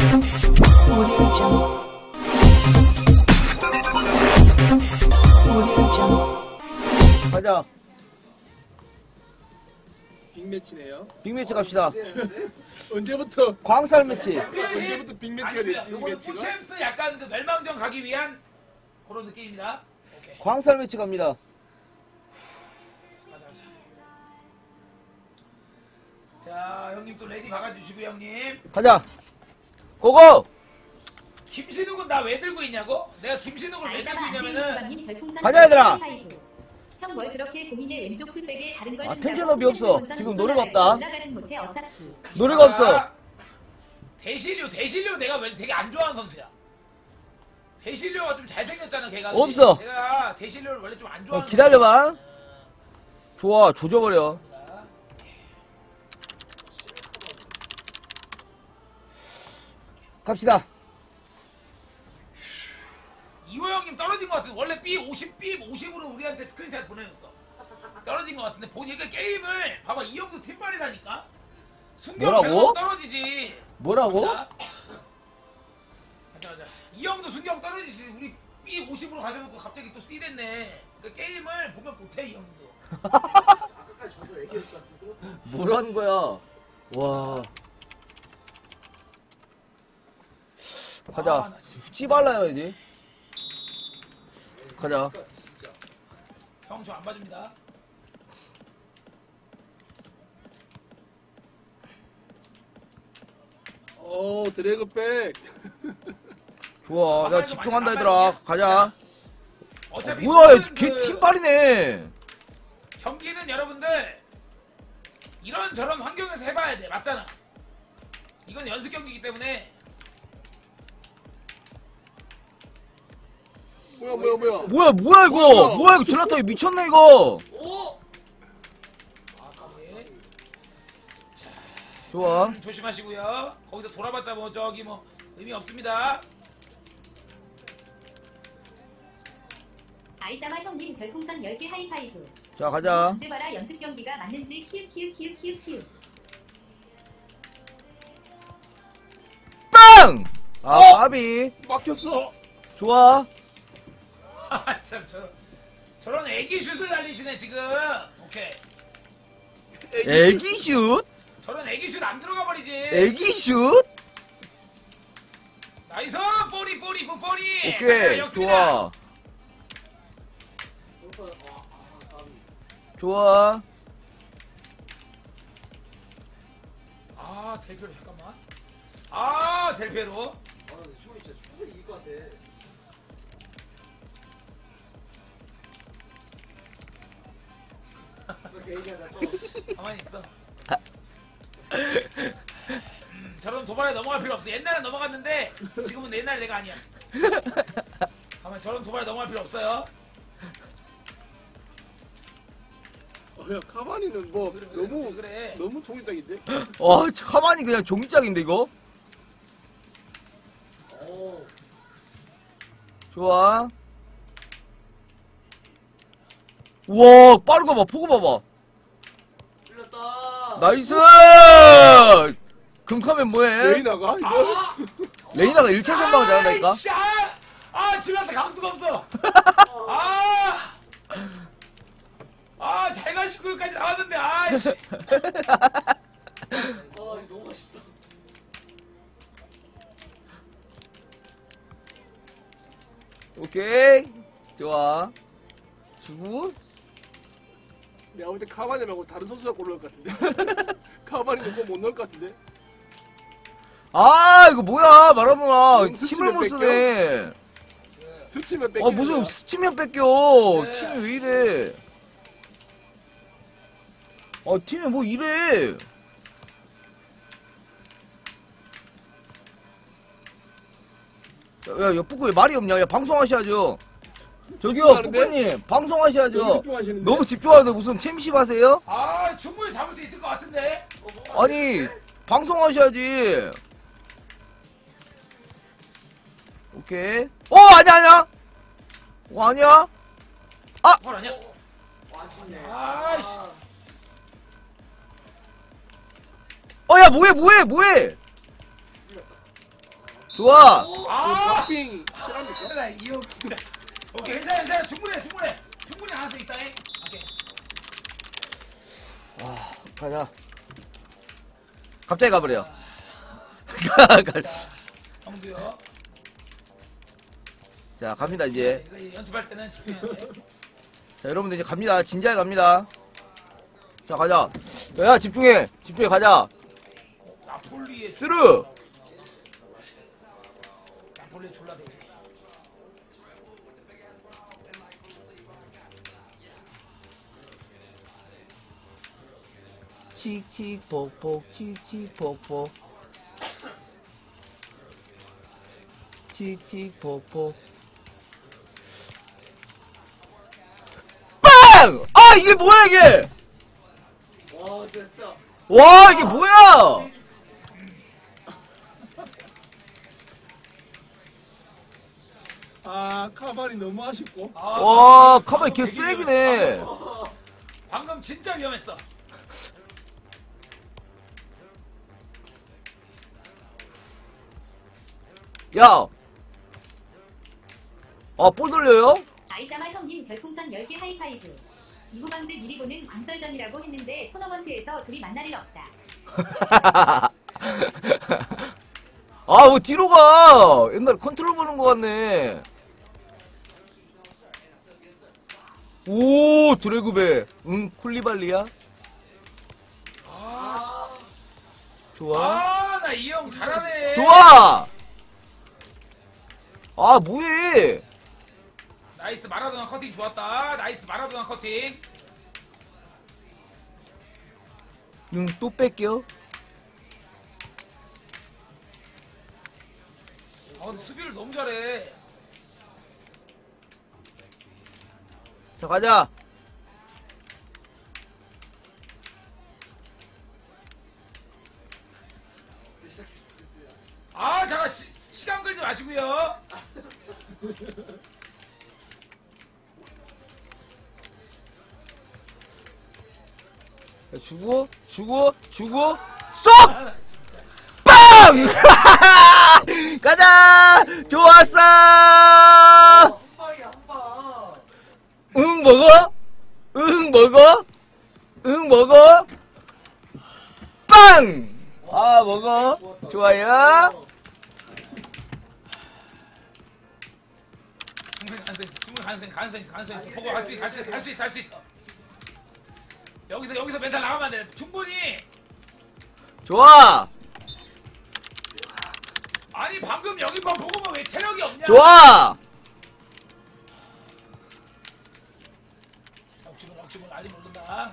가자. 빅매치네요. 빅매치 갑시다. 언제부터? 광살 매치. 언제부터 빅매치가 됐지? 요거는 빅매치가? 포챔스 약간 그 멸망전 가기 위한 그런 느낌입니다. 오케이. 광살 매치 갑니다. 가자. 자, 형님 또 레디 박아주시고요, 형님. 가자. 고고. 김신욱은 나 왜 들고 있냐고? 내가 김신욱을 왜 들고 있냐면은 가자, 얘들아. 형 뭘 그렇게 고민해. 왼쪽 풀백에 다른 걸 아, 쓴다고. 텐션업이 없어. 지금 노래가 없다. 올라가진 못해 어차피. 노래가 없어. 대실료 내가 왜 되게 안 좋아하는 선수야. 대실료가 좀 잘생겼잖아, 걔가. 없어. 내가 대실료를 원래 좀 안 좋아하는. 기다려봐. 좋아, 조져버려. 갑시다. 이호 형님 떨어진 것 같은데 원래 B50으로 우리한테 스크린샷 보내줬어. 떨어진 것 같은데 보니까 게임을 봐봐, 이 형도 팀빨이라니까. 순경 뭐라고? 계속 떨어지지. 뭐라고? 가자. 이 형도 순경 떨어지지. 우리 B50으로 가져놓고 갑자기 또 C 됐네. 그러니까 게임을 보면 못해, 이 형도. 아까까지 저도 얘기했어. 뭐라는 거야? 와. 가자. 나 진짜. 찌발라야지. 가자. 진짜. 형 저 안 봐줍니다. 오, 드래그백. 좋아. 내가 집중한다, 얘들아. 가자. 어차피 뭐야, 모든 걔 그 팀빨이네. 경기는 여러분들 이런저런 환경에서 해봐야 돼. 맞잖아. 이건 연습 경기이기 때문에. 뭐야. 뭐야, 이거? 뭐야, 이거 젤라타이 미쳤네, 이거. 오! 까비. 좋아. 조심하시고요. 거기서 돌아봤자 뭐 저기 뭐 의미 없습니다. 아이따마 형님 별풍선 10개 하이파이브. 자, 가자. 언제 봐라 연습 경기가 맞는지 키읔. 빵! 아, 까비. 막혔어. 좋아. 아, 참, 저런 애기 슛을 날리시네 지금. 오케이. 애기 슛? 저런 애기 슛 안 들어가 버리지. 애기 슛? 나이스. 40. 오케이. 좋아. 좋아. 아, 델페로 잠깐만. 아, 델페로. 아, 근데 충분히 진짜 충분히 이길 것 같아. 가만히 있어. 저런 도발에 넘어갈 필요 없어. 옛날엔 넘어갔는데 지금은 옛날 내가 아니야. 가만, 저런 도발에 넘어갈 필요 없어요. 야, 카바니는 뭐 그래. 너무 종이장인데? 와, 가만히 그냥 종이짝인데, 이거? 오. 좋아. 우와, 빠른 거 봐, 포고 봐봐. 틀렸다. 나이스! 금카면 뭐해? 레이나가 이거? 레이나가 1차 선방을 잘한다니까? 아이씨, 집한테 감수가 없어. 잘 가시고 여기까지 나왔는데, 아이씨. 이거 너무 맛있다. 오케이. 좋아. 주고. 내가 볼 때 카바니 말고 다른 선수가 골 넣을 것 같은데? 카바니는 그거 못 넣을 것 같은데? 아, 이거 뭐야, 마라도나. 힘을 스치면 못 뺏겨? 쓰네. 스치면 뺏겨. 무슨 스치면 뺏겨. 네. 팀이 왜 이래. 팀이 뭐 이래. 야, 뿌꾸 왜 말이 없냐? 야, 방송하셔야죠. 저기요, 집중하는데? 뿌꾸님, 방송하셔야죠. 너무 집중하시는데? 너무 집중하는데 무슨 챔십 하세요? 충분히 잡을 수 있을 것 같은데. 아니, 방송하셔야지. 오케이. 아니야. 아니야. 헐 아니야? 맞네. 아이씨. 야, 뭐해. 좋아. 아! 빙 실합니까? 나 이형 진짜. 오케이, 괜찮아. 충분히 가능성 있다. 오케이. 가자. 갑자기 가버려. 형도요. 자, 갑니다, 이제. 이거 연습할 때는 집중해야 돼. 자, 여러분들 이제 갑니다. 진지하게 갑니다. 자, 가자. 야, 집중해. 가자. 나폴리의 스르. 졸라 되지. 칙칙폭폭, 칙칙폭폭. 칙칙폭폭. 빵! 아, 이게 뭐야, 이게! 와 진짜. 와, 이게 뭐야! 아 카바니 너무 아쉽고. 와, 가만히 개 쓰레기네. 방금 진짜 위험했어. 야! 아, 볼 돌려요? 아이자마 형님 별풍선 10개 하이파이브. 이구방제 미리 보는 광설전이라고 했는데 토너먼트에서 둘이 만날 일 없다. 아, 뭐 뒤로 가! 옛날 컨트롤 보는 거 같네. 오, 드래그배. 응, 쿨리발리야? 좋아. 나 이 형 잘하네. 좋아! 아, 뭐해! 나이스 마라도나 커팅 좋았다. 나이스 마라도나 커팅. 응, 또 뺄게요. 근데 수비를 너무 잘해. 자, 가자. 잠깐 시간 끌지 마시고요. 주고, 쏙! 빵! 가자! 좋았어! 한 방이야 한 방. 응, 먹어? 응, 먹어? 응, 먹어? 빵! 아, 먹어. 좋아요. 충분히 가능성 있어. 보고 할 수 있어. 여기서 멘탈 나가면 안 돼. 충분히. 좋아. 아니 방금 여기만 보고만 왜 체력이 없냐? 좋아. 억지로 아직 모른다.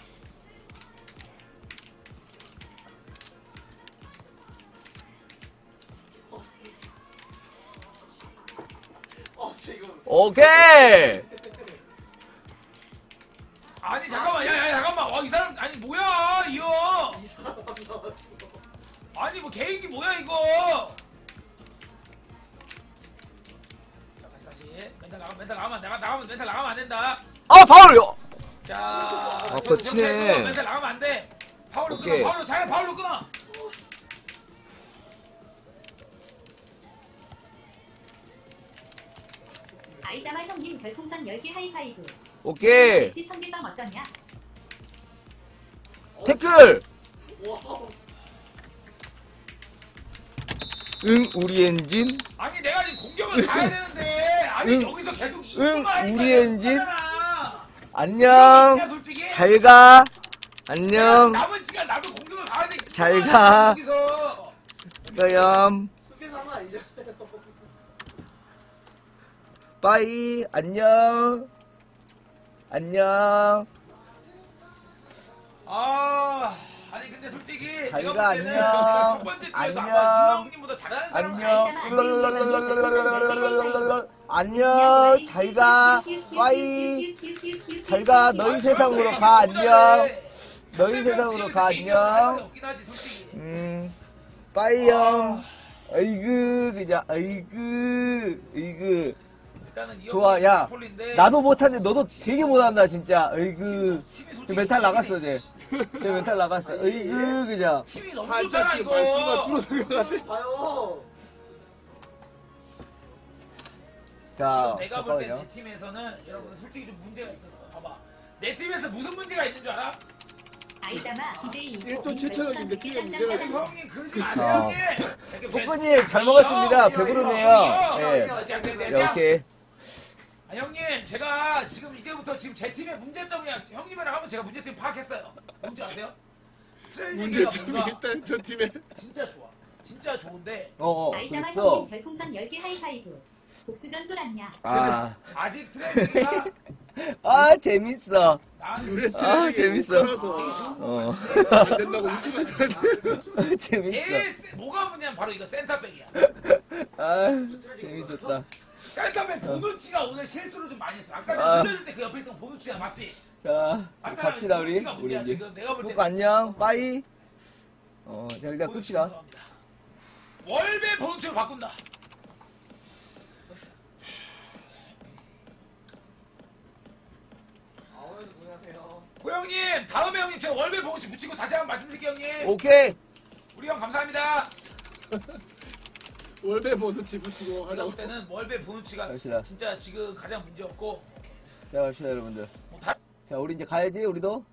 지금. 오케이. 아니 잠깐만, 야 잠깐만. 와 이 사람 아니 뭐야 이 형? 이 사람 나왔어. 아니 뭐 개인기 뭐야 이거? 자 다시 멘탈 나가면 안 된다. 아, 파울이요. 자, 거치네. 멘탈 나가면 안 돼. 파울로 오케이. 끊어. 파울로 끊어. 아이자마 형님 별풍선 10개 하이파이브. 오케이. 같이 성길방 어떠냐? 태클. 와. 응, 우리 엔진. 아니 내가 지금 공격을 가야 되는데 아니 응. 여기서 계속 응, 하니까 우리 내가 엔진. 못하잖아. 안녕. 이거 솔직히 잘 가. 안녕. 남은 시간 나도 공격을 가야 돼. 잘 가. 여기서 그럼 수비 상황 아니잖아요. 빠이. 안녕. 안녕. 아니 근데 솔직히 잘 내가 가, 볼 때는 안녕. 내가 첫 번째 팀에서 안녕. 아마 형님보다 잘하는 사람 안녕. 잘 가. 빠이. 잘 가. 너희 세상으로 가. 안녕. 너희 세상으로 가. 안녕. 빠이 형. 아이고, 그냥, 아이고. 좋아, 야. 나도 못하는데 너도 되게 못한다, 진짜. 아이고. 저 멘탈 나갔어, 쟤. 쟤 멘탈 나갔어. 아이고, 그냥. 힘이 너무 살짝 좋잖아 지금 말수가 이거. 줄어든 것 같아. 봐요. 자, 지금 내가 볼 때 잠깐만요. 내 팀에서는 여러분 솔직히 좀 문제가 있었어. 봐봐. 내 팀에서 무슨 문제가 있는 줄 알아? 아이다마 BJ 1.7천원인데 팀에 문제가 있네. 형님 그러지 마세요 아. 형님. 뽀뽀님 잘 먹었습니다. 배부르네요. 예. 야, 이렇게. 아, 형님 제가 지금 이제부터 지금 제 팀의 문제점이야. 형님이랑 하면 제가 문제점 파악했어요. 뭔지 아세요? 트레이닝기가 문제점이 뭔가 있다 저 팀에. 진짜 좋아. 진짜 좋은데 아이다마 그랬어. 형님 별풍선 10개 하이파이브. 복수전 쫄았냐? 아, 아직 트레이닝기가 아 재밌어. 난 유래 아, 재밌어. 서 어, 안 된다고 웃으면 안 돼. 재밌어. 뭐가 문제냐면 바로 이거 센터백이야. 아, 재밌었다. 센터백 보누치가 오늘 실수를 좀 많이 했어. 아까 아. 흘려줄 때 그 옆에 있던 보누치가 맞지? 자, 맞잖아. 갑시다 우리. 보누치가 우리 문제야 이제. 지금 내가 볼 때. 꼭 안녕. 빠이. 자 일단 보누치 끝이다. 감사합니다. 월배 보누치로 바꾼다. 아무래도 고생하세요. 고영님 다음에 형님 제가 월배 보누치 붙이고 다시 한번 말씀드릴게요 형님. 오케이. 우리 형 감사합니다. 월배 모두 지붙이고 내가 하자고. 볼 때는 월배 보누치가 갑시다. 진짜 지금 가장 문제 없고 자 갑시다 여러분들. 뭐 다. 자 우리 이제 가야지 우리도.